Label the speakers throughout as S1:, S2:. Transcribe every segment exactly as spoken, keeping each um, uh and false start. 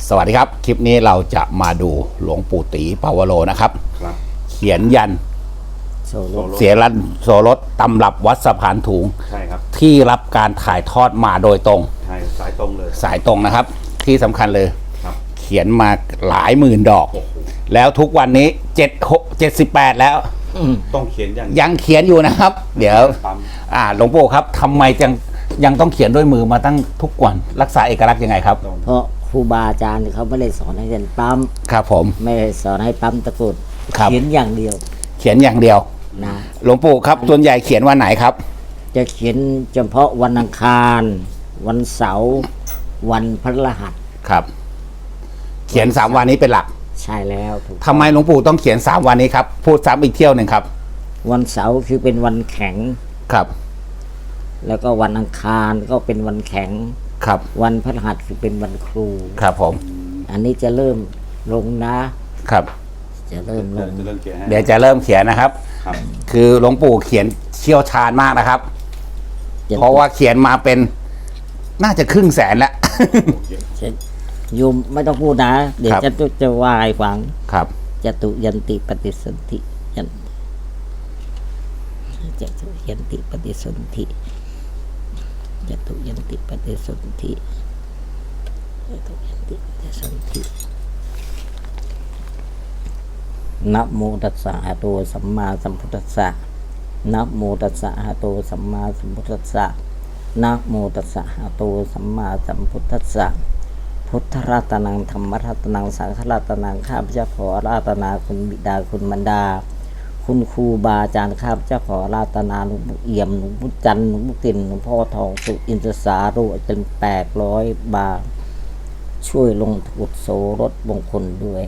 S1: สวัสดีครับคลิปนี้เราจะมาดูหลวงปู่ตีปาวโรนะครับ
S2: ครับ
S1: เขียนยัน
S2: โซโล
S1: เสียรันโสรสตำรับวัดสะพานถุง
S2: ใช่ครับ
S1: ที่รับการถ่ายทอดมาโดยตรง
S2: ใช่สายตรงเลย
S1: สายตรงนะครับที่สำคัญเลย
S2: ครับ
S1: เขียนมาหลายหมื่นดอกแล้วทุกวันนี้เจ็ดหกเจ็ดสิบแปดแล้ว
S2: ต้องเขียนอย่าง
S1: ยังเขียนอยู่นะครับเดี๋ยวอ่าหลวงปู่ครับทำไมยังยังต้องเขียนด้วยมือมาตั้งทุกวันรักษาเอกลักษณ์ยังไงครับ
S3: เพราะครูบาอาจารย์เขาไม่ได้สอนให้เรียนปั๊ม
S1: ครับผม
S3: ไม่ได้สอนให้ปั๊มตะกรุด
S1: เ
S3: ขียนอย่างเดียว
S1: เขียนอย่างเดียว
S3: นะ
S1: หลวงปู่ครับส่วนใหญ่เขียนวันไหนครับ
S3: จะเขียนเฉพาะวันอังคารวันเสาร์วันพฤหัส
S1: ครับเขียนสามวันนี้เป็นหลัก
S3: ใช่แล้วถูก
S1: ทำไมหลวงปู่ต้องเขียนสามวันนี้ครับพูดซ้ำอีกเที่ยวหนึ่งครับ
S3: วันเสาร์คือเป็นวันแข็ง
S1: ครับ
S3: แล้วก็วันอังคารก็เป็นวันแข็ง
S1: ครับ
S3: วันพฤหัสคือเป็นวันครู
S1: ครับผม
S3: อันนี้จะเริ่มลงนะครับจะเริ่มลง
S1: เดี๋ยวจะเริ่มเขียนนะครับคือหลวงปู่เขียนเชี่ยวชาญมากนะครับเพราะว่าเขียนมาเป็นน่าจะครึ่งแสนแล้ว
S3: โยมไม่ต้องพูดนะเดี๋ยวจะจะวายฟัง
S1: ครับ
S3: จตุยันติปฏิสนธิยันจตุยันติปฏิสนธิจตุยันติปฏิสนธิจตุยันติปฏิสนธินะโมตัสสะหะโตสัมมาสัมพุทธัสสะนะโมตัสสะหะโตสัมมาสัมพุทธัสสะนะโมตัสสะหะโตสัมมาสัมพุทธัสสะพุทธรัตนังธรรมรัตนังสังฆรัตนังข้าพเจ้าขอรัตนาคุณบิดาคุณมารดาคุณครูบาอาจารย์ข้าพเจ้าขอรัตนาหลวงปู่เอี่ยมหลวงปู่จันทร์หลวงปู่ติ่นหลวงพ่อทองสุอินทรสาโรจนแปดร้อยบาทช่วยลงทุนโสรถมงคลด้วย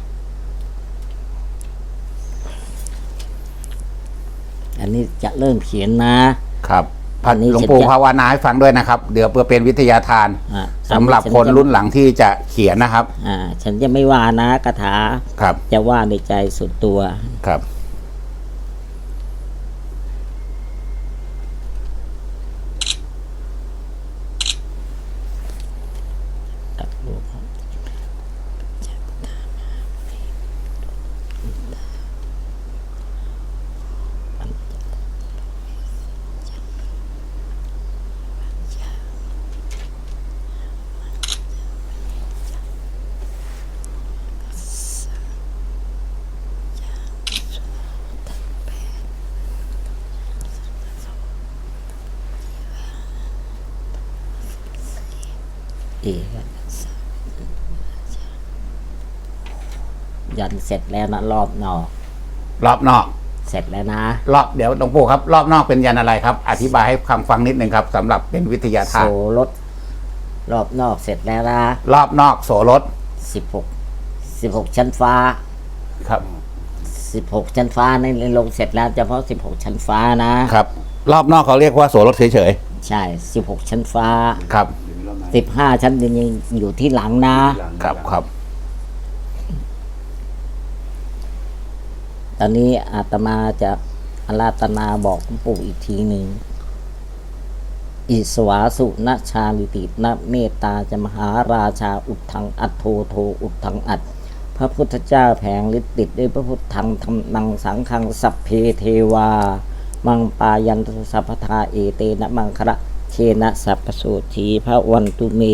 S3: อันนี้จะเริ่มเขียนนะครับ
S1: พันหลวงปู่ภาวนาให้ฟังด้วยนะครับเดี๋ยวเพื่อเป็นวิทยาทานสำหรับคนรุ่นหลังที่จะเขียนนะครับ
S3: อ่าฉันจะไม่ว่านะคาถา
S1: ครับ
S3: จะว่าในใจส่วนตัว
S1: ครับ
S3: เอยันเสร็จแล้วนะรอบนอก
S1: รอบนอก
S3: เสร็จแล้วนะ
S1: รอบเดี๋ยวหลวงปู่ครับรอบนอกเป็นยันอะไรครับอธิบายให้คำฟังนิดนึงครับสำหรับเป็นวิทยาทาน
S3: โสรถรอบนอกเสร็จแล้วนะ
S1: รอบนอกโสรถ
S3: สิบหกสิบหกชั้นฟ้า
S1: ครับ
S3: สิบหกชั้นฟ้าในลงเสร็จแล้วเฉพาะสิบหกชั้นฟ้านะครับ
S1: รอบนอกเขาเรียกว่าโสรถเฉย
S3: ๆใช่สิบหกชั้นฟ้า
S1: ครับ
S3: สิบห้าชั้นยังอยู่ที่หลังนะครับ
S1: ครับ
S3: ตอนนี้อาตมาจะอาราธนาบอกหลวงปู่อีกทีหนึ่งอิสวาสุนะชาลิตินะเมตตาจะมหาราชาอุดทังอัตโทโทอุดทังอัดพระพุทธเจ้าแผงฤทธิ์ติดด้วยพระพุทธังธรรมังสังฆังสัพเพเทวามังปายันตุสัพพทาเอเตนะมังคระเชนะสัพพโสธีพระวันตุเม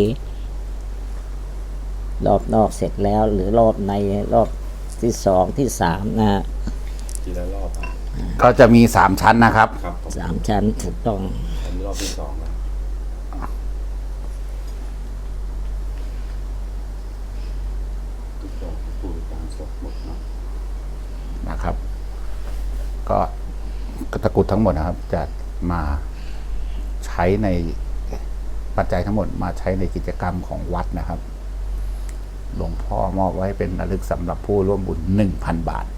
S3: รอบนอกเสร็จแล้วหรือรอบในรอบที่สองที่สามนะ
S2: ทีละรอบ
S1: ก็จะมีสามชั้นนะครับ
S3: สามชั้นถูกต้อง
S2: อันนี้รอบที่สองแล้ว
S1: นะครับก็ตะกรุดทั้งหมดนะครับจะมาใช้ในปัจจัยทั้งหมดมาใช้ในกิจกรรมของวัดนะครับหลวงพ่อมอบไว้เป็นระลึกสำหรับผู้ร่วมบุญ หนึ่งพัน บาท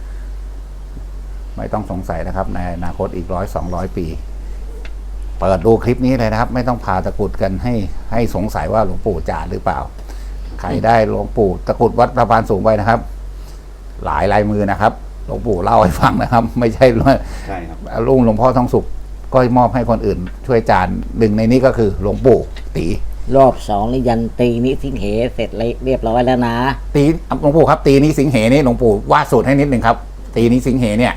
S1: ไม่ต้องสงสัยนะครับในอนาคตอีกร้อยสองร้อยปีเปิดดูคลิปนี้เลยนะครับไม่ต้องพาตะกรุดกันให้ให้สงสัยว่าหลวงปู่จ่าหรือเปล่าใครได้หลวงปู่ตะกรุดวัดสะพานสูงไปนะครับหลายลายมือนะครับหลวงปู่เล่าให้ฟังนะครับไม่ใช่ว่า
S2: ใช่ครับ
S1: ลุงหลวงพ่อทองสุขก็มอบให้คนอื่นช่วยจานหนึ่งในนี้ก็คือหลวงปู่ตี
S3: รอบสองนี่ยันตีนิสิงเหเสร็จเรียบร้อยแล้วนะ
S1: ตีหลวงปู่ครับ ตีนี้สิงเหนี่หลวงปู่วาดสูตรให้นิดหนึ่งครับ ตีนี้สิงเหเนี่ย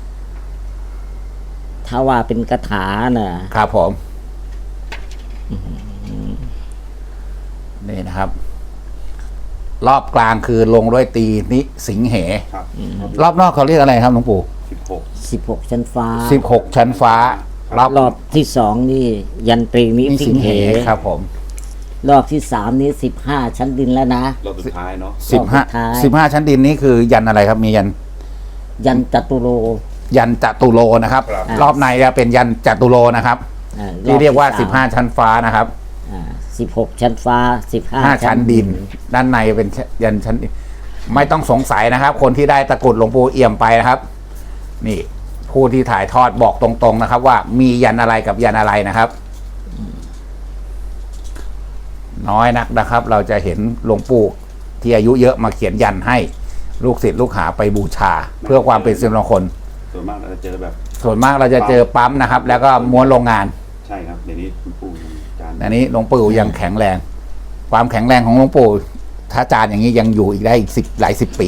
S3: ถ้าว่าเป็นคาถาน่ะ
S1: ครับผมนี่นะครับ รอบกลางคือลงด้วยตีนิสิงเห
S2: ครับ
S1: รอบนอกเขาเรียกอะไรครับหลวงปู่
S2: สิบหก
S3: สิบหกชั้นฟ้า
S1: สิบหกชั้นฟ้ารอบ
S3: รอบที่สองนี่ยันตรีนิ
S1: นิ
S3: สิ
S1: สิ
S3: ง
S1: ง
S3: เห
S1: เหครับผม
S3: รอบที่สามนี่สิบห้าชั้นดินแล้วนะ
S2: รอบสุดท้ายเนาะ
S1: สิบห้าร
S3: อบสุดท้าย
S1: สิบห้าชั้นดินนี้คือยันอะไรครับ มียัน
S3: ยันจตุโล
S1: ยันจตุโลนะครับ
S2: ครับ
S1: รอบในจะเป็นยันจตุโลนะครับ
S3: อ่
S1: ที่เรียกว่า
S3: อบ
S1: สิบห้าชั้นฟ้านะครับ
S3: สิบหกชั้นฟ้าสิบห้า
S1: ห้าชั้นดิน ด้านในเป็นยันชั้นดินไม่ต้องสงสัยนะครับ คนที่ได้ตะกรุดหลวงปู่เอี่ยมไปนะครับ นี่ผู้ที่ถ่ายทอดบอกตรงๆนะครับ ว่ามียันอะไรกับยันอะไรนะครับ น้อยนักนะครับ เราจะเห็นหลวงปู่ที่อายุเยอะมาเขียนยันให้ลูกศิษย์ลูกหาไปบูชา เพื่อความเป็นสิริมงคล
S2: ส่วนมากเราจะเจอแบบ
S1: ส่วนมากเราจะเจอปั๊มนะครับ แล้วก็ม้วนโรงงาน
S2: ใช่ครับเดี๋ยวนี้คุณปู่จาน
S1: อันนี้หลวงปู่ยังแข็งแรง ความแข็งแรงของหลวงปู่ถ้าจานอย่างนี้ยังอยู่อีกได้อีกสิบหลายสิบปี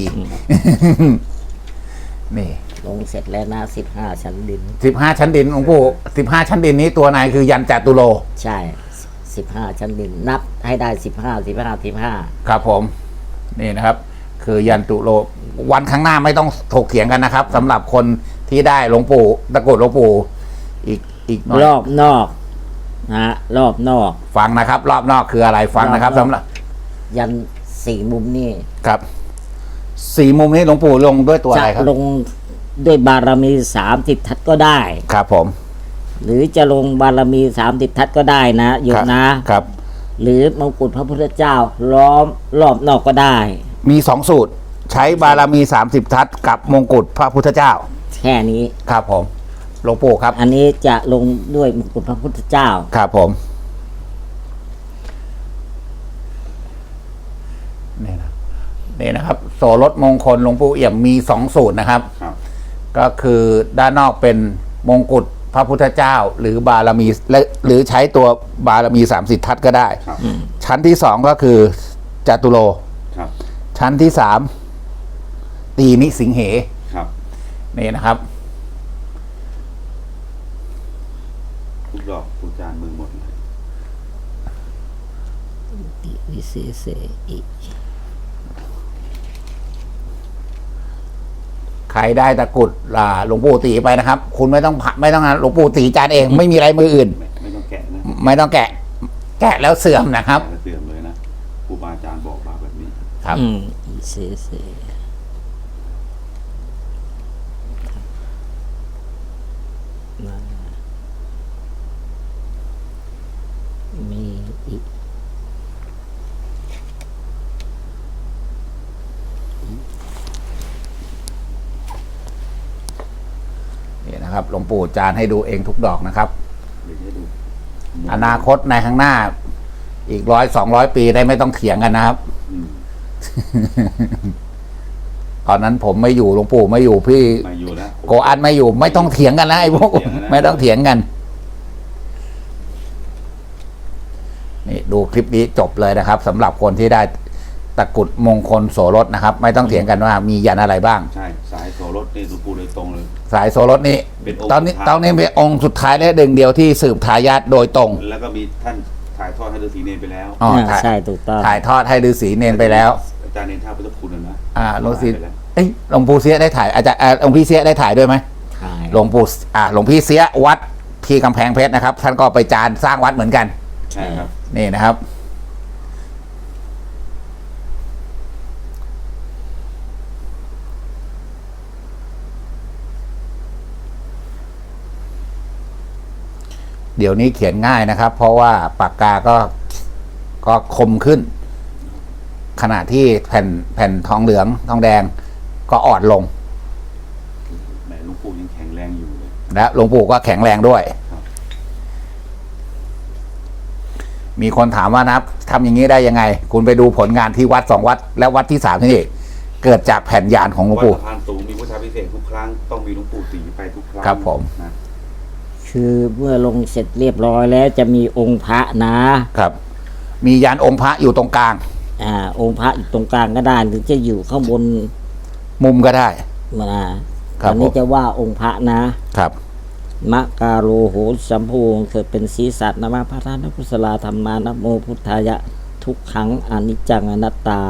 S1: นี่
S3: ลงเสร็จแล้วนะสิบห้าชั้นดิน
S1: สิบห้าชั้นดินหลวงปู่สิบห้าชั้นดินนี้ตัวไหนคือยันจตุโล
S3: ใช่สิบห้าชั้นดิน นับให้ได้สิบห้าสิบห้าสิบห้า
S1: ครับผม นี่นะครับ คือยันตุโล วันข้างหน้าไม่ต้องถกเถียงกันนะครับสำหรับคนที่ได้หลวงปู่ตะกรุดหลวงปู่อีกอีกหน่อย
S3: รอบนอกนะฮะรอบนอก
S1: ฟังนะครับ รอบนอกคืออะไรฟังนะครับ
S3: รอบนอก
S1: สำหรับ
S3: ยันสี่มุมนี่
S1: ครับสี่มุมนี้หลวงปู่ลงด้วยตัว
S3: จะ
S1: อะไรครับ
S3: ลงด้วยบารมีสามสิบทัศก็ได้
S1: ครับผม
S3: หรือจะลงบารมีสามสิบทัศก็ได้นะโยมนะ
S1: ครับ
S3: หรือมงกุฎพระพุทธเจ้าล้อมรอบนอกก็ได้
S1: มีสองสูตร ใช้บารมีสามสิบทัศกับมงกุฎพระพุทธเจ้า
S3: แค่นี้
S1: ครับผมหลวงปู่ครับ
S3: อันนี้จะลงด้วยมงกุฎพระพุทธเจ้า
S1: ครับผมนี่นะนี่นะครับ โสรถมงคลหลวงปู่เอี่ยมมีสองสูตรนะครับ
S2: ครับ
S1: ก็คือด้านนอกเป็นมงกุฎพระพุทธเจ้า หรือบารมีและหรือใช้ตัวบารมีสามสิบทัศก็ได้
S2: ครับ
S1: ชั้นที่สองก็คือจตุโล
S2: ครับ
S1: ชั้นที่สามตีนิสิงเห
S2: ครับ
S1: นี่นะครับ
S2: ทุกดอกทุกจานมือหมดเลย
S3: ติวิเศษเสอิ
S1: ใครได้ตะกรุดอ่าหลวงปู่ตีไปนะครับ คุณไม่ต้องผ่าไม่ต้องหลวงปู่ตีจานเอง ไม่มีอะไรมืออื่น
S2: ไม่ไม่ต้องแกะนะ
S1: ไม่ต้องแกะ แกะแล้วเสื่อมนะครับ
S2: แกะแล้วเสื่อมเลยนะครูบาอาจารย์บอกมาแบบนี้
S1: ครับ
S3: อืมวิเศษเสนั่นมีอีก
S1: นี่นะครับหลวงปู่จานให้ดูเองทุกดอกนะครับ
S2: เดี๋ยวให้ดู
S1: อนาคตในข้างหน้า อีกร้อยสองร้อยปีได้ไม่ต้องเถียงกันนะครับ
S2: อืม
S1: ตอนนั้นผมไม่อยู่หลวงปู่ไม่อยู่พี่
S2: มาอยู่แล้ว
S1: โกอันไม่อยู่ ไม่ต้องเถียงกันนะไอ้พวกไม่ต้องเถียงกัน นี่ดูคลิปนี้จบเลยนะครับสำหรับคนที่ได้ตะกรุดมงคลโสรสนะครับ ไม่ต้องเถียงกันว่ามียันอะไรบ้าง
S2: ใช่สายโซรถนี่หลวงปู่เลยตรงเลย
S1: สายโสรสนี้
S2: เป็นองค์
S1: ตอนนี้
S2: สุดท้าย
S1: ตอนนี้เป็นองค์สุดท้ายและหนึ่งเดียวที่สืบทายาทโดยตรง
S2: แล้วก็มีท่านถ่ายทอดให้ฤาษีเนรไปแล้ว
S1: อ๋อ
S3: อ่า
S1: ถ่าย
S3: ใช่ถูกต้อง
S1: ถ่ายทอดให้ฤาษีเนนไปแล้ว
S2: อาจารย์เนรท่าพุทธคุณนะนะ
S1: อ่าหลวงศิษย์
S2: ไปแล้ว
S1: เอ้ยหลวงปู่เสียได้ถ่ายอาจารย์อ่าหลวงพี่เสียได้ถ่ายด้วยไหม
S3: ถ่าย
S1: หลวงปู่อ่าหลวงพี่เสียวัดที่กำแพงเพชรนะครับ ท่านก็ไปจานสร้างวัดเหมือนกัน
S2: ใช่ครับ
S1: นี่นะครับ เดี๋ยวนี้เขียนง่ายนะครับ เพราะว่าปากกาก็ก็คมขึ้น ขณะที่แผ่นแผ่นทองเหลืองทองแดงก็อ่อนลง
S2: แหมหลวงปู่ยังแข็งแรงอยู่เลย
S1: และหลวงปู่ก็แข็งแรงด้วย
S2: ครับ
S1: มีคนถามว่านะครับทำอย่างนี้ได้ยังไง คุณไปดูผลงานที่วัดสองวัด และวัดที่สามที่นี่เกิดจากแผ่นยานของหลวง
S2: วัด
S1: ปู่
S2: สะพานสูงมีพุทธาพิเศษกทุกครั้งต้องมีหลวงปู่ตีไปทุกครั้ง
S1: ครับผม
S2: นะ
S3: คือเมื่อลงเสร็จเรียบร้อยแล้วจะมีองค์พระนะครับ
S1: มียันองค์พระอยู่ตรงกลาง
S3: อ่า องค์พระอยู่ตรงกลางก็ได้หรือจะอยู่ข้างบน
S1: มุมก็ได้
S3: มา
S1: ครั
S3: ต
S1: บ
S3: อนนี้
S1: ผม
S3: จะว่าองค์พระนะครับ มะกาโรโหสัมภูงเกิดเป็นศีรษะนะมะพระธาตุกุศลาธรรมานะโมพุทธายะ ทุกขังอนิจจังอนัตตา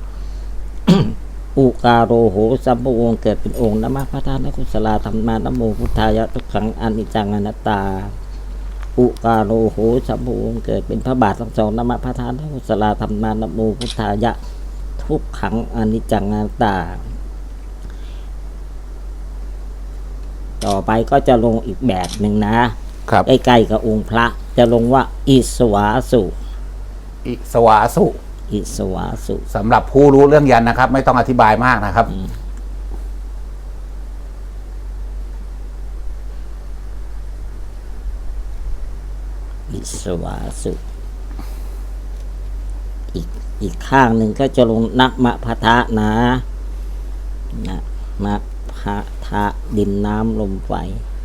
S3: อุกาโรโหสัมภูงเกิดเป็นองค์นะมะพระธาตุกุศลาธรรมานะโมพุทธายะ ทุกขังอนิจจังอนัตตา อุกาโรโหสัมภูงเกิดเป็นพระบาททั้งสองนะมะพระธาตุกุศลาธรรมานะโมพุทธายะ ทุกขังอนิจจังอนัตตา ต่อไปก็จะลงอีกแบบหนึ่งนะครับ ใกล้ๆกับองค์พระจะลงว่า อิสวาสุ
S1: อิสวาสุ
S3: อิสวาสุ
S1: สำหรับผู้รู้เรื่องยันนะครับ ไม่ต้องอธิบายมากนะครับ
S3: อิสวาสุ อีกอีกข้างหนึ่งก็จะลงนะมะพะทะนะนะมะพะทะดินน้ำลมไฟ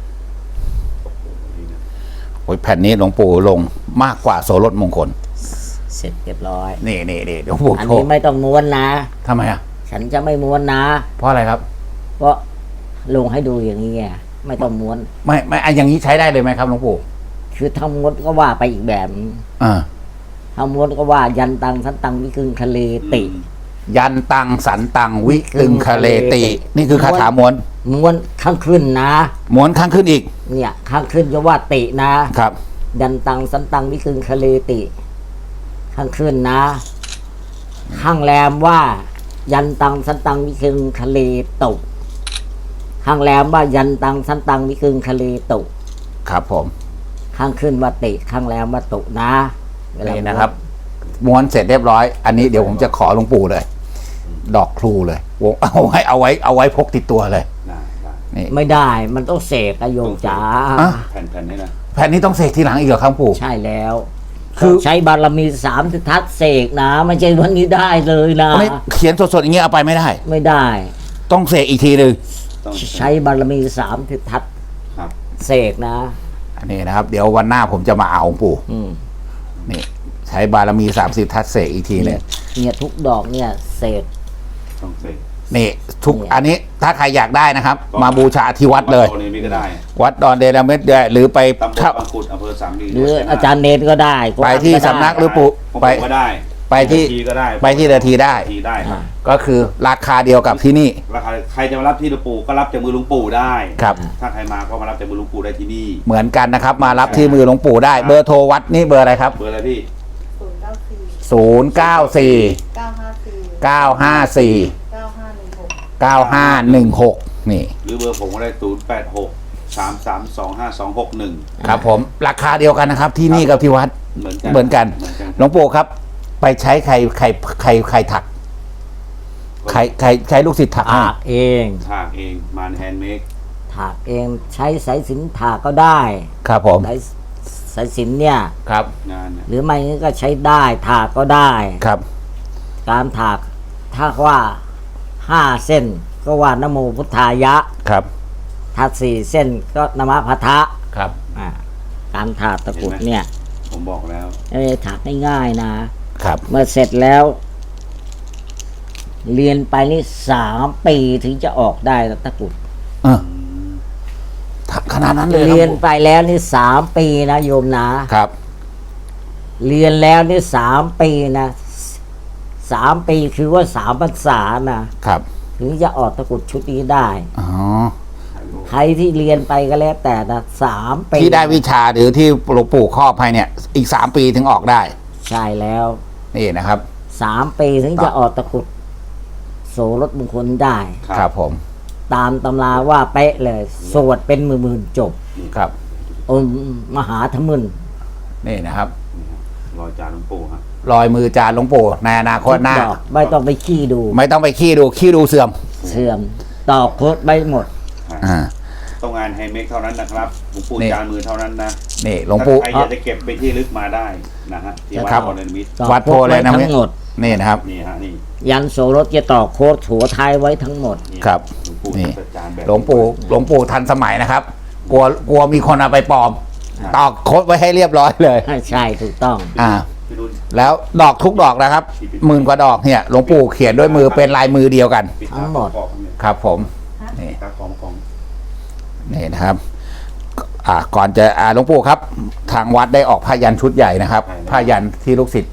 S1: โอ้ยแผ่นนี้หลวงปู่ลงมากกว่าโสรถมงคล
S3: เสร็จเรียบร้อย
S1: นี่นี่นี่หลวงปู่
S3: อัน
S1: โช
S3: นี้
S1: ว์
S3: ไม่ต้องม้วนนะ
S1: ทำไมอ่ะ
S3: ฉันจะไม่ม้วนนะ
S1: เพราะอะไรครับ
S3: เพราะลงให้ดูอย่างนี้ไงไม่ต้องม้วน
S1: ไม่ไม่อันอย่างนี้ใช้ได้เลยไหมครับหลวงปู่
S3: คือถ้าม้วนก็ว่าไปอีกแบบ
S1: อ่า
S3: ถ้าม้วนก็ว่ายันตังสันตังวิกึงคะเลติ
S1: ยันตังสันตังวิกึงคะเลติ นี่คือคาถาม้วน
S3: ม้วนข้างขึ้นนะ
S1: ม้วนข้างขึ้นอีก
S3: เนี่ยข้างขึ้นจะว่าตินะ
S1: ครับ
S3: ยันตังสันตังวิกึงคะเลติ ข้างขึ้นนะ ข้างแรมว่า ยันตังสันตังวิกึงคะเลตุข้างแรมว่ายันตังสันตังวิกึงคะเลตุ
S1: ครับผม
S3: ข้างขึ้นว่าติ ข้างแรมว่าตุนะเวลา
S1: นี่นะครับ ม้วนเสร็จเรียบร้อย อันนี้เดี๋ยวผมจะขอหลวงปู่เลย ดอกครูเลยวงเอาไว้เอาไว้เอาไว้พกติดตัวเลย
S2: ได้ได้
S1: นี่
S3: ไม่ได้มันต้องเสกอะโยมจ๋า
S1: อ่ะ
S2: แผ่นแผ่นนี้นะ
S1: แผ่นนี้ต้องเสกทีหลังอีกเหรอครับหลวงปู่
S3: ใช่แล้ว
S1: คือ
S3: ใช้บารมีสามสิทัศน์เสกนะไม่ใช่วันนี้ได้เลยนะ
S1: ไม่เขียนสดๆอย่างเงี้ยเอาไปไม่ได้
S3: ไม่ได้
S1: ต้องเสกอีกทีหนึ่ง
S2: ต้อง
S3: ใช้บารมีสามสิทัศน์
S2: ครับ
S3: เสกนะ
S1: อันนี้นะครับ เดี๋ยววันหน้าผมจะมาเอาหลวงปู่
S3: อืม
S1: นี่ ใช้บารมีสามสิบทัศน์เสกอีกทีหนึง
S3: เนี่ยทุกดอกเนี่ยเสก
S2: ต้องเสก
S1: นี่ทุก
S3: เนี่ย
S1: อันนี้ถ้าใครอยากได้นะครับ
S2: ก็
S1: มาบูชาที่วัดเลย
S2: โซนนี้ก็ได้
S1: วัดดอนเดลเมดได้หรือไป
S2: ตำบล
S1: ถ้า
S2: บางขุดอำเภอสามดี
S3: หรืออาจารย์เนรก็ได้
S1: ไปที่
S3: ก็ด้
S1: สำนัก หรือปู่
S2: ผม
S1: ไป
S2: ก็ได้
S1: ไปที่
S2: ทีก็ได้
S1: ไปที่เดอะทีได้
S2: ทีได้ครับ
S1: ก็คือราคาเดียวกับที่นี่
S2: ราคาใครจะมารับที่หลวงปู่ก็รับจากมือหลวงปู่ได้
S1: ครับ
S2: ถ้าใครมาก็มารับจากมือหลวงปู่ได้ที่นี่
S1: เหมือนกันนะครับ มารับที่มือหลวงปู่ได้ เบอร์โทรวัดนี่เบอร์อะไรครับ
S2: เบอร์อะไรพี่
S4: ศูนย์เก้าสี่
S1: ศูนย์ เก้าสี่
S4: เก้าห้าสี่
S1: เก้าห้าสี่
S4: เก้าห้าหนึ่งหก
S1: เก้าห้าหนึ่งหกนี่
S2: หรือเบอร์ผมก็ได้ศูนย์แปดหกสามสามสองห้าสองหกหนึ่ง
S1: ครับผมราคาเดียวกันนะครับ ที่นี่กับที่วัด
S2: เหมือนกัน
S1: เหมือนกัน
S2: เหมือนกัน
S1: หลวงปู่ครับ ไปใช้ใครใครใครใครถัก ใครใครใช้ลูกศิษย์ถักให้
S3: ถากเอง
S2: ถากเองมานแฮนด์เมด
S3: ถากเองใช้สายสิญจนถากก็ได้
S1: ครับผม
S3: สายสายสิญจนเนี่ย
S1: ครับ
S2: งานเนี่ย
S3: หรือไม่งั้นก็ใช้ได้ถากก็ได้
S1: ครับ
S3: การถากถ้าว่าห้าเส้นก็ว่านะโมพุทธายะ
S1: ครับ
S3: ถ้าสี่เส้นก็นะมะพะทะ
S1: ครับ
S3: อ่าการถากตะกรุดเนี่ย
S2: ผมบอกแล้ว
S3: ไม่ได้ถากง่ายๆนะ
S1: ครับ
S3: เมื่อเสร็จแล้ว เรียนไปนี่สามปีถึงจะออกได้นะตะกรุด
S1: เออถักขนาดนั้นเลย
S3: เรียน
S1: ครับ
S3: ไปแล้วนี่สามปีนะโยมนะ
S1: ครับ
S3: เรียนแล้วนี่สามปีนะสามปีคือว่าสามพรรษานะครับ ถึงจะออกตะกรุดชุดนี้ได้
S1: อ๋อ
S3: ใครที่เรียนไปก็แล้วแต่นะสามปี
S1: ที่ได้วิชาหรือที่หลวงปู่ครอบให้เนี่ย อีกสามปีถึงออกได้
S3: ใช่แล้ว
S1: นี่นะครับ
S3: สามปีถึงจะออกตะกรุดโสรถมงคลได้
S1: ครับผม
S3: ตามตำราว่าเป๊ะเลย สวดเป็นหมื่นๆจบ
S1: ครับ
S3: อมมหาธมึน
S1: นี่นะครับ
S2: รอยจานหลวงปู่ฮะ
S1: รอยมือจานหลวงปู่ในอนาคตหน้า
S3: ดอกไม่ต้องไปขี้ดู
S1: ไม่ต้องไปขี้ดูขี้ดูเสื่อม
S3: เสื่อมตอกโคตรไปหมด
S1: อ่า
S2: ต้องงานแฮนด์เมดเท่านั้นนะครับหลวงปู่
S1: นี่
S2: จานมือเท่านั้นนะ
S1: นี่หลวงปู่
S2: ถ้าใครอยากจะเก็บไปที่ลึกมาได้นะฮะที่วัด
S1: ครับ
S2: พรนิมิตร
S3: ตอก
S1: วัดโพ
S3: โคตร
S1: เลย
S3: ไว้
S1: นะ
S3: ทั้งหมด
S1: นี่นะครับ
S2: นี่ฮะนี่
S3: ยันโสรถจะตอกโคตรหัวท้ายไว้ทั้งหมด
S2: นี่
S1: ครับ
S2: หลวงปู่
S1: นี่
S2: จัดจานแบบ
S1: หลวงปู่หลวงปู่ทันสมัยนะครับ กลัวกลัวมีคนเอาไปปลอม ตอกโคดไว้ให้เรียบร้อยเลย
S3: ใช่ถูกต้อง
S1: อ่า
S2: พี่รุ่น
S1: แล้วดอกทุกดอกนะครับหมื่นกว่าดอกเนี่ยหลวงปู่เขียนด้วยมือเป็นลายมือเดียวกัน
S2: ปิด
S3: ทั้
S2: ตาง
S3: หมด
S2: กรอบๆเนี่ย
S1: ครับผมนี่
S2: ตากรอบกอง
S1: นี่นะครับ อ่าก่อนจะอ่าหลวงปู่ครับ ทางวัดได้ออกผ้ายันชุดใหญ่นะครับผ้ายันที่ลูกศิษย์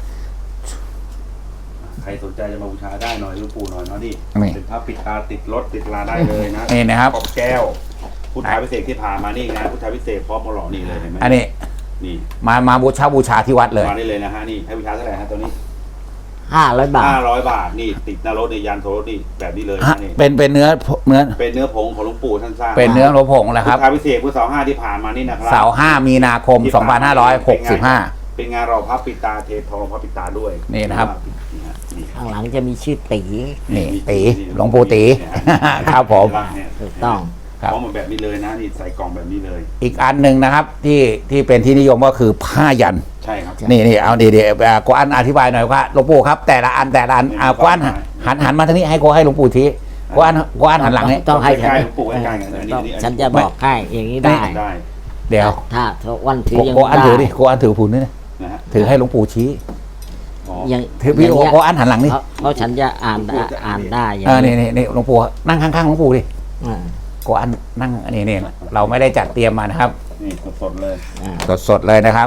S2: ใครสนใจจะมาบูชาได้หน่อยหลูกปู่หน่อยเนาะนี่
S1: นี่
S2: เป็นผ้าปิดตาติดรถติดลาได้เลยนะ
S1: นี่นะครับ
S2: ขอบแก้วพุทธาพิเศษกที่ผ่านมานี่งานพุทธาพิเศษกพร้อมมาหล่อนี่เลยเห็นไหม
S1: อันนี้
S2: นี่
S1: มามาบูชาบูชาที่วัดเลย
S2: มาได้เลยนะฮะนี่ให้บูชาเท่าไหร่ฮะตัวนี้
S3: ห้าร้อยบาท
S2: ห้าร้อยบาทนี่ติดหน้ารถในยานโทรถนี่แบบนี้เลย
S1: ฮะ
S2: นะนี่
S1: เป็นเป็นเนื้อเนื้อ
S2: เป็นเนื้อผงของหลวงปู่ท่านสร้าง
S1: เป็นเนื้อโลผงแหละครับ
S2: พุทธาพิเศษกพุทธเสาห้าที่ผ่านมานี่นะครับ
S1: เสาร์ห้ามีนาคม
S2: ที่
S1: สองพันห้าร้อยหกสิบห้า
S2: เป็นงานรอพับปิดตาเททองพับปิดตาด้วย
S1: นี่นะครับ
S2: นี่ฮะนี่
S3: ข้างหลังจะมีชื่อตี
S1: นี่ตีหลวงปู่ตี ครับผม
S2: เนี่ย
S3: ถูกต้อง
S1: ครับ
S2: พร้อมแบบนี้เลยนะนี่ใส่กล่องแบบนี้เลย
S1: อีกอันหนึ่งนะครับ ที่ที่เป็นที่นิยมก็คือผ้ายัน
S2: ใช่ครับ
S1: นี่นี่เอาดีดีอ่าโกอันอธิบายหน่อยว่าหลวงปู่ครับ แต่ละอันแต่ละอันอ่าโกอันหันหันมาทางนี้ให้โกให้หลวงปู่ชี้โกอันโกอันหันหลังนี่
S3: ต้องให้
S2: ใก
S3: ฉัน
S2: ล้ๆหลวงปู่ใกล้ๆกันอันนี้อันนี้
S3: ฉันจะบอกให้อย่างนี้ได้
S2: ได้
S1: เดี๋ยว
S3: ถ้าวันถือ
S1: โก
S3: ยัง
S1: โกอันถือดิ
S3: ได้
S1: โกอันถือผูนนี่นะ
S2: นะฮะ
S1: ถือให้หลวงปู่ชี้
S2: อ๋อ
S3: ยัง
S1: ถือพี่
S3: อย่างเงี้ย
S1: โกอันหันหลังนี่
S3: เพราะเพราะฉันจะอ่านได้อ่านได้อย่าง
S1: เออนี่นี่นี่หลวงปู่นั่งข้างๆหลวงปู่ดิ
S3: อ่า
S1: โกอันนั่งนี่นี่เราไม่ได้จัดเตรียมมานะครับ
S2: นี่สดๆเลย
S3: อ่า
S1: สดๆเลยนะครับ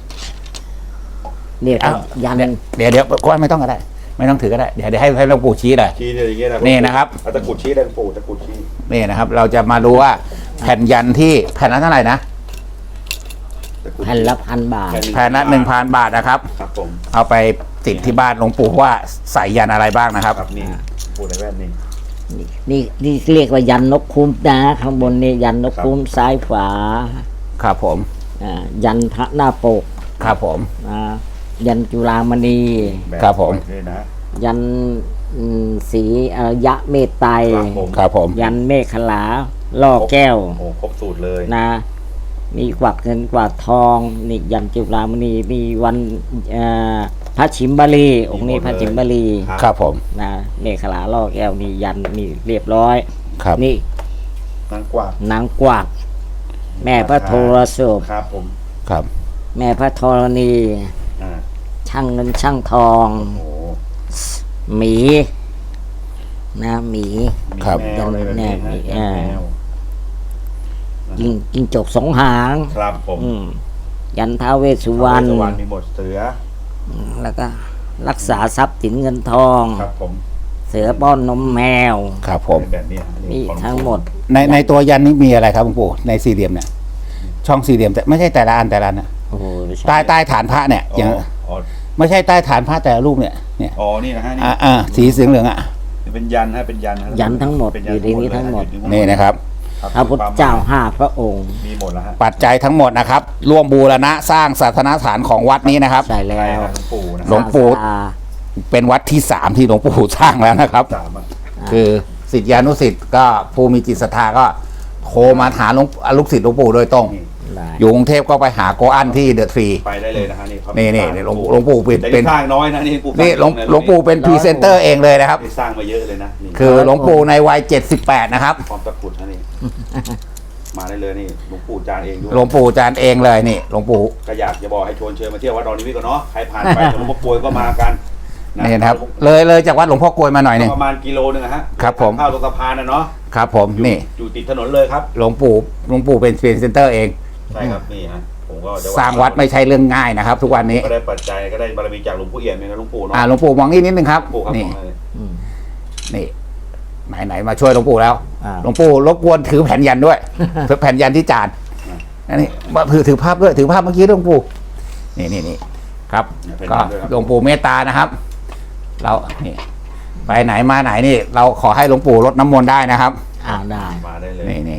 S3: เนี่ยต้องยัน
S1: เดี๋ยวเดี๋ยวโกอันไม่ต้องก็ได้ ไม่ต้องถือก็ได้เดี๋ยวเดี๋ยวให้ให้หลวงปู่ชี้เลย
S2: ชี้เนี่ยอย่างเงี้ยนะ
S1: นี่นะครับ
S2: เอาตะกรุดชี้ได้หลวงปู่ตะกรุดชี้
S1: นี่นะครับ เราจะมาดูว่าแผ่นยันที่แผ่นละเท่าไหร่นะ
S2: ตะกรุด
S3: แผ่นละพันบาท
S1: แผ่นละหนึ่งพันบาทนะครับ
S2: ครับผม
S1: เอาไปติดที่บ้านหลวงปู่ว่าใส่ยันอะไรบ้างนะครับ
S2: ครับนี่ปู่ในแว่นนี่
S3: นี่นี่เรียกว่ายันนกคุ้มนะข้างบนนี่ยันนกคุ้มซ้ายขวา
S1: ครับผม
S3: อ่ายันพระหน้าปก
S1: ครับผม
S3: อ่ายันจุฬามณี
S2: แบบ
S1: ครับผม
S2: ด้วยนะ
S3: ยันอืมสีอารยะเมตไตร
S2: ครับผม
S1: ครับผม
S3: ยันเมฆขลาล่อแก้ว
S2: โอ้ครบสูตรเลย
S3: นะ มีกวักเงินกวักทองนี่ยันจุฬามณีมีวันเอ่อพระชิมบาลีองค์นี้พระชิมบาลี
S1: ครับผม
S3: นะเมฆขลาล่อแก้วนี่ยันนี่เรียบร้อย
S1: ครับ
S3: นี่
S2: นางกวัก
S3: นางกวักแม่พระโทรศพ
S2: ครับผม
S1: ครับ
S3: แม่พระธรณี
S2: อ่า
S3: ช่างเงินช่างทอง
S2: โอ้
S3: หมีนะหมี
S2: มี
S1: ครับ
S2: แมวเลยแบบนี้
S3: แน
S2: นะ
S3: บแนบ
S2: แมว
S3: จิงจิงจกสองหาง
S2: ครับผม
S3: อืมยันท้าวเวสสุวรรณ
S2: ท้าวเวสสุวรรณมีหมดเสือ
S3: แล้วก็รักษาทรัพย์สินเงินทอง
S2: ครับผม
S3: เสือป้อนนมแมว
S1: ครับผม
S2: เป็นแบบนี้ฮะ
S3: นี่
S2: ของ
S3: ทั้งหมด
S1: ในในตัวยันนี้มีอะไรครับหลวงปู่ในสี่เหลี่ยมเนี่ย ช่องสี่เหลี่ยมแต่ไม่ใช่แต่ละอันแต่ละอันนะ
S3: โอ้โห
S1: ใต้ใต้ฐานพระเนี่ย
S2: อ๋
S1: อย่าง
S2: ออ๋อ
S1: ไม่ใช่ใต้ฐานพระแต่ละรูปเนี่ยเนี่ย
S2: อ๋อนี่นะฮะนี่
S1: อ่าอ่าสีสีเหลืองอ่ะ
S2: เป็นยันฮะเป็นยันฮะ
S3: ยันทั้งหมด
S2: เป็น
S3: อยู่ในนี้ทั้งหมด
S2: เลยฮ
S1: นี่นะครับ
S2: ครับ
S3: พระพุทธเจ้าห้าพระองค์
S2: มีหมดแล้วฮะ
S1: ปัจจัยทั้งหมดนะครับ ร่วมบูรณะสร้างศาสนสถานของวัดนี้นะครับ
S3: ใช่แล้
S2: ใช่
S3: ว
S2: ฮะหลวงปู่นะ
S1: หลวงปู่
S3: ศาสดา
S1: เป็นวัดที่สามที่หลวงปู่สร้างแล้วนะครับ
S2: สามอ่ะ
S1: คือศิษยานุศิษย์ก็ผู้มีจิตศรัทธาก็โทรมาหาหลวงลูกศิษย์หลวงปู่โดยตรง
S2: นี่
S3: ได้
S1: อยู่กรุงเทพก็ไปหาโกอันที่เดอะทรี
S2: ไปได้เลยนะฮะนี่ครับ
S1: นี่นี่นี่หลวงหลวงปู่เป็น
S2: แต่
S1: เป็
S2: นี่
S1: น
S2: สร้างน้อยนะนี่ปู่
S1: นี่หลวงหลวงปู่เป็นพรีเซนเตอร์เองเลยนะครับ
S2: นี่สร้างมาเยอะเลยนะนี่
S1: คือหลวงปู่ในวัยเจ็ดสิบแปดนะครับ
S2: พร้อมตะกรุดนะนี่ มาได้เลยนี่หลวงปู่จานเองด้วย
S1: หลวงปู่จานเองเลยนี่หลวงปู่
S2: ก็อยากจะบอกให้ชวนเชิญมาเที่ยววัดดอนนิมิตรก่อนเนาะใครผ่านไปหลวงพ่อกลวยก็มากัน
S1: นี่นะครับ เลยเลยจากวัดหลวงพ่อกลวยมาหน่อยหนึง
S2: ประมาณกิโลนึงอะฮะ
S1: ครับผม
S2: เข้าตรงสะพานนะเนาะ
S1: ครับผมนี่
S2: อยู่ติดถนนเลยครับ
S1: หลวงปู่หลวงปู่เป็นพรีเซนเตอร์เอง
S2: ใช่ครับนี่ฮะผมก็จะ
S1: สร้างวัดไม่ใช่เรื่องง่ายนะครับ ทุกวันนี้
S2: ก็ได้ปัจจัยก็ได้บารมีจากหลวงปู่เอี่ยมเนี่ยนะหลวงปู่เนาะ
S1: อ่าหลวงปู่มองนี่นิดนึงครับ
S2: หลวงปู่ครับ
S1: นี่
S2: ผมเลย
S3: อืม
S1: นี่ไหนไหนมาช่วยหลวงปู่แล้ว
S3: อ่า
S1: หลวงปู่รบกวนถือแผ่นยันด้วย ถือแผ่นยันที่จานอันนี้มาถือถือภาพด้วยถือภาพเมื่อกี้หลวงปู่นี่นี่นี่ครับ ก็หลวงปู่เมตตานะครับ เรานี่ไปไหนมาไหนนี่ เราขอให้หลวงปู่รดน้ำมนต์ได้นะครับ
S3: อ่าได้
S2: มาได้เลย
S1: นี่นี่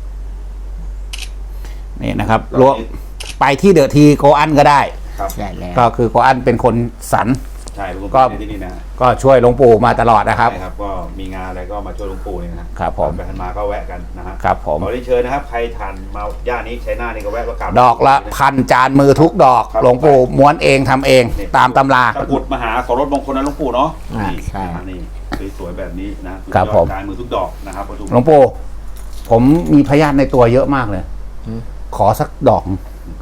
S1: นี่นะครับรวมไปที่เดอะทีโกอันก็ได้
S2: ครับ
S3: ใช่แล้ว
S1: ก็คือโกอันเป็นคนสรร
S2: ใช่หลวง
S1: ก็
S2: ปู่ที่นี่นะ
S1: ก็ช่วยหลวงปู่มาตลอดนะครับ
S2: ใช่ครับก็มีงานอะไรก็มาช่วยหลวงปู่เนี่ยนะครับ
S1: ผม
S2: ไปทันมาก็แวะกันนะฮะ
S1: ครับผม
S2: ขอเรียนเชิญนะครับ ใครทานมาย่านนี้ใช้หน้านี่ก็แวะก็กลับ
S1: ดอกละพันจานมือทุกดอก หลวงปู่ม้วนเองทำเอง
S2: นี่
S1: ตามตำรา
S2: ตะกรุดมหาโสรถมงคลนะหลวงปู่เนาะ
S3: อ่า
S2: นี่
S3: ใช่
S2: นะนี่สวยๆแบบนี้นะครับ
S1: ผม
S2: การมือทุกดอกนะครับประตู
S1: หลวงปู่ผมมีพยานในตัวเยอะมากเลย ขอสักดอก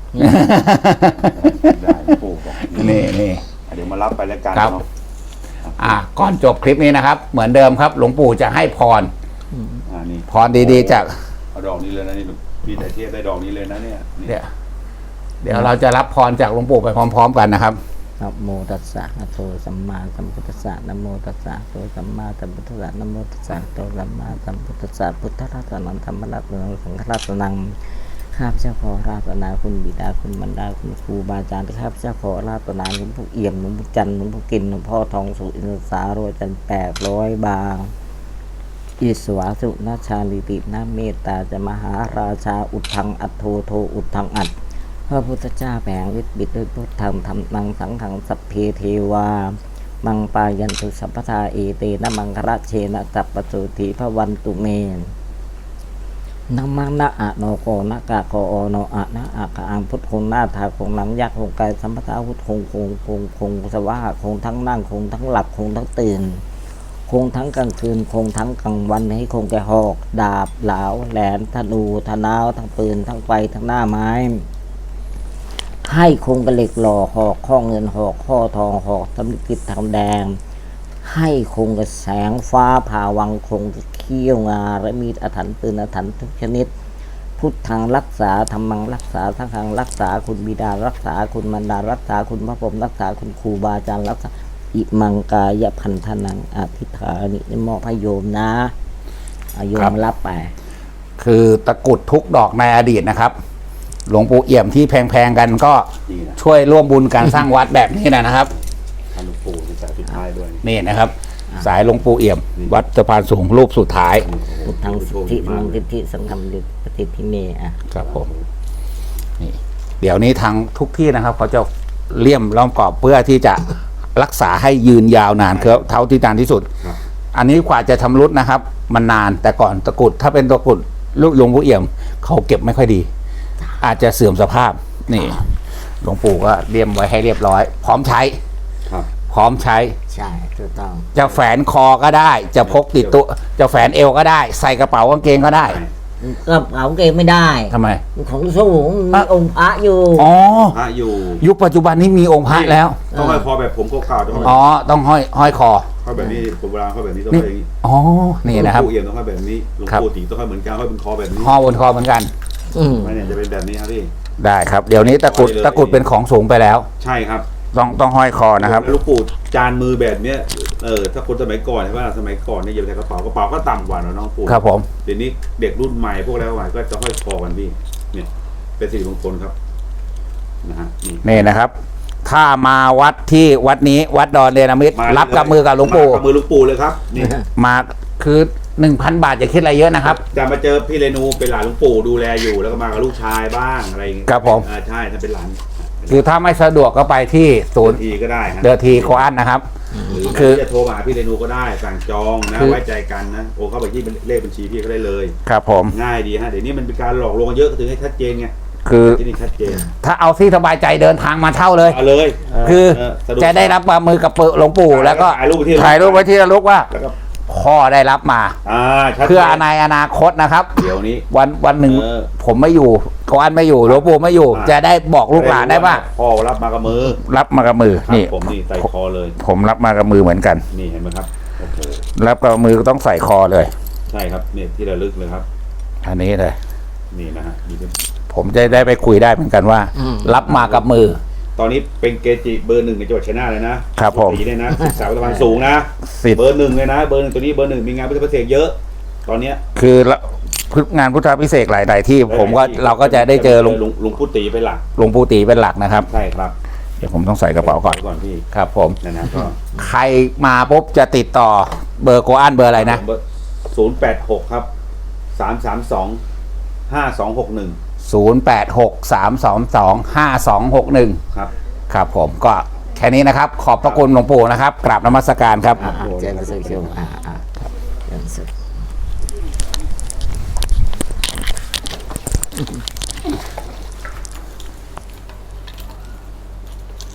S2: ได้หลวงปู่บอก
S1: นี่นี่
S2: เดี๋ยวมารับไปแล้วกัน
S1: ครับ
S2: เนาะ
S1: อ่ะก่อนจบคลิปนี้นะครับ เหมือนเดิมครับ หลวงปู่จะให้พร
S2: อ่านี่
S1: พรดีๆจาก
S2: เอาดอกนี้เลยนะนี่พี่แต่เทียบได้ดอกนี้เลยนะเนี่ยนี่
S1: เดี๋ยวเดี๋ยวเราจะรับพรจากหลวงปู่ไปพร้อม ๆ กันนะครับ
S3: นะโมตัสสะภะคะวะโตสัมมาสัมพุทธัสสะนะโมตัสสะภะคะวะโตสัมมาสัมพุทธัสสะนะโมตัสสะภะคะวะโตสัมมาสัมพุทธัสสะพุทธรัตนังธรรมรัตนังสังฆรัตนังข้าพเจ้าขอราตนาคุณบิดาคุณมารดาคุณครูบาอาจารย์ข้าพเจ้าขอราตนาหลวงปู่เอี่ยมหลวงปู่จันทร์หลวงปู่กินหลวงพ่อทองสุอินทรสาโรจันทร์แปดร้อยบางอิสวาสุนาชาลิตินาเมตตาจะมหาราชาอุทังอัตโทโทอุทังอัตพระพุทธเจ้าแผงฤทธิ์บิดด้วยพุทธธรรมธรรมนังสังขังสัพเพเทวามังปายันตุสัพพทาเอเตนะมังคระเชนะสัพปสุธีพระวันตุเมนนะมังนะอะโนโกนะกะโกโอโนอะนะอะกะอังพุทธคงหน้าทาคงหลังยักษ์คงกายสัมปทาพุทธคงคงคงคงสวะคงทั้งนั่งคงทั้งหลับคงทั้งตื่นคงทั้งกลางคืนคงทั้งกลางวันให้คงแก่หอกดาบเหลาแหลมธนูธนาวทั้งปืนทั้งไฟทั้งหน้าไม้ให้คงกระเหล็กหล่อหอกข้อเงินหอกข้อทองหอกตำลิกิตทองแดงให้คงกระแสงฟ้าผ่าวังคงกระเขี้ยวงาและมีดอาถรรพ์ปืนอาถรรพ์ทุกชนิดพุทธังรักษาธรรมังรักษาสังฆังรักษาคุณบิดารักษาคุณมารดารักษาคุณพระพรหมรักษาคุณครูบาอาจารย์รักษาอิมังกายพันธนังอธิษฐานิมอบให้โยมนะเอาโย
S1: ครั
S3: ม
S1: บ
S3: รับไป
S1: คือตะกรุดทุกดอกในอดีตนะครับ หลวงปู่เอี่ยมที่แพงๆกันก็
S2: นี่นะ
S1: ช่วยร่วมบุญการสร้างวัดแบบนี้นะครับ
S2: ท่านหลวงปู่ในสายสุดท้ายด้วย
S1: นี่นะครับ สายหลวงปู่เอี่ยม วัดสะพานสูงรูปสุดท้าย
S3: พุทธังสิทธิมังสิทธิสังฆังดิปฏิทิเมอ่ะ
S1: ครับผมนี่เดี๋ยวนี้ทางทุกที่นะครับ เขาจะเลี่ยมล้อมกรอบเพื่อที่จะรักษาให้ยืนยาวนานคือเท่าที่นานที่สุด
S2: ครับ
S1: อันนี้กว่าจะชำรุดนะครับ มันนานแต่ก่อนตะกรุดถ้าเป็นตะกรุดลูกหลวงปู่เอี่ยม เขาเก็บไม่ค่อยดี อาจจะเสื่อมสภาพนี่ หลวงปู่ก็เลี่ยมไว้ให้เรียบร้อย พร้อมใช้
S2: ครับ
S1: พร้อมใช้
S3: ใช่ถูกต้อง
S1: จะแฝนคอก็ได้ จะพกติดตัวจะแฝนเอวก็ได้ ใส่กระเป๋ากางเกงก็ได้
S3: ก็เอาเกงไม่ได้
S1: ทำไม
S3: ของสูงมี
S1: อ่ะ
S3: องค์พระอยู่
S1: อ๋อ
S2: พระอยู่
S1: ยุคปัจจุบันนี้มีองค์พระแล้ว
S2: ต้องห้อยคอแบบผมเก่าๆต้องห้อย
S1: อ๋อ ต้องห้อยห้อยคอ
S2: ห้อยแบบนี้ผมเวลาห้อยแบบนี้ต้อง
S1: นี่
S2: ห้อยอย่างนี้
S1: อ๋อ นี่นะครับ
S2: หลวงปู่เอี่ยมต้องห้อยแบบนี้หลวง
S1: ครับ
S2: ปู่ตีต้องห้อยเหมือนกันห้อยเป็นคอแบบนี้
S1: ห่อบนคอเหมือนกัน
S3: อืม
S2: ไม่เนี่ยจะเป็นแบบนี้ครับพี่
S1: ได้ครับ เดี๋ยวนี้ตะกรุด
S2: ห้อยเลย
S1: ตะกรุดเป็นของสูงไปแล้ว
S2: ใช่ครับ
S1: ต้องต้องห้อยคอนะครับ
S2: แล้วหลวงปู่จานมือแบบเนี้ยเออถ้าคนสมัยก่อนใช่ไหมสมัยก่อนเนี่ยอย่าไปใส่กระเป๋ากระเป๋าก็ต่ำกว่าเนอะน้องปู่
S1: ครับผม
S2: เดี๋ยวนี้เด็กรุ่นใหม่พวกแล้วใหม่ก็จะห้อยคอกันพี่เนี่ยเป็นสิริมงคลครับนะฮะนี่
S1: นี่นะครับ ถ้ามาวัดที่วัดนี้วัดดอนเดนามิตร
S2: มา
S1: รับกับมือกับหลวงปู่
S2: มากับมือหลวงปู่เลยครับนี่
S1: มาคือหนึ่งพันบาทอย่าคิดอะไรเยอะนะครับ
S2: จะมาเจอพี่เรนูเป็นหลานหลวงปู่ดูแลอยู่แล้วก็มากับลูกชายบ้างอะไรอย่างเงี้ย
S1: ครับผม
S2: อ่าใช่ถ้าเป็นหลาน
S1: คือถ้าไม่สะดวกก็ไปที่ศูนย์
S2: ทีก็ได้ฮะ
S1: เดอทีโคอันนะครับ
S2: หรือ
S1: คือ
S2: จะโทรมาหาพี่เรนูก็ได้สั่งจองนะ
S1: คือ
S2: ไว้ใจกันนะโอ้เข้าไปที่เลขบัญชีพี่ก็ได้เลย
S1: ครับผม
S2: ง่ายดีฮะเดี๋ยวนี้มันเป็นการหลอกลวงเยอะก็ถึงให้ชัดเจนไง
S1: คือ
S2: ที่นี่ชัดเจน
S1: ถ้าเอาที่สบายใจเดินทางมาเช่าเลย
S2: เอาเลย
S1: คือ
S2: เสดวก
S1: จะได้รับมามือกับหลวงปู่แล้วก็
S2: ถ่ายรูปไว้ที่
S1: ถ่ายรูปไว้ที่ระลึกว่า
S2: แล้วก็
S1: พ่อได้รับมา
S2: อ่าชัดจน
S1: เพื่อในอนาคตนะครับ
S2: เดี๋ยวนี้
S1: วันวันหนึ่ง
S2: เออ
S1: ผมไม่อยู่โคอันไม่อยู่หลวงปู่ไม่อยู่
S2: อ่า
S1: จะได้บอกลูกหลานได้ว่า
S2: พ่อรับมากับมือ
S1: รับมากับมือ
S2: ครับ
S1: นี่
S2: ผมนี่ใส่คอเลย
S1: ผมรับมากับมือเหมือนกัน
S2: นี่เห็นไหมครับโอ้โห
S1: รับกับมือก็ต้องใส่คอเลย
S2: ใช่ครับเนี่ยที่ระลึกเลยครับ
S1: อันนี้เลย
S2: นี่นะฮะนี่เป็น
S1: ผมจะได้ไปคุยได้เหมือนกันว่า รับมากับมือ
S2: ตอนนี้เป็นเกจิเบอร์หนึ่งในจังหวัดชัยนาทเลยนะครับ
S1: ผม
S2: สีเนี่ยนะศึกษาประมาณสูงนะ
S1: สิทธิ์
S2: เบอร์หนึ่งเลยนะเบอร์หนึ่งตัวนี้เบอร์หนึ่งมีงานพุทธประเสกเยอะ ตอนเนี้ย
S1: คือละพุทธงานพุทธพิเศษกหลายๆที่ ผมก็เราก็จะได้เจอหลวง
S2: ลุงลุงพุทธีเป็นหลัก
S1: หลวงปู่ตีเป็นหลักนะครับ
S2: ใช่ครับ
S1: เดี๋ยวผมต้องใส่กระเป๋าก่อน
S2: ก่อนพี่
S1: ครับผม
S2: นะนะก็
S1: ใครมาปุ๊บจะติดต่อเบอร์โกอันเบอร์อะไรนะ
S2: ศูนย์แปดหกครับสามสามสองห้าสองหกหนึ่ง
S1: ศูนย์ แปด หก สาม สอง สอง ห้า สอง หก หนึ่ง
S2: ครับ
S1: ครับผมก็แค่นี้นะครับ ขอบพระคุณหลวงปู่นะครับ กราบนมัสการครับ
S3: อ่าเจริญสุขโยมอ่าอ่าเจริญสุข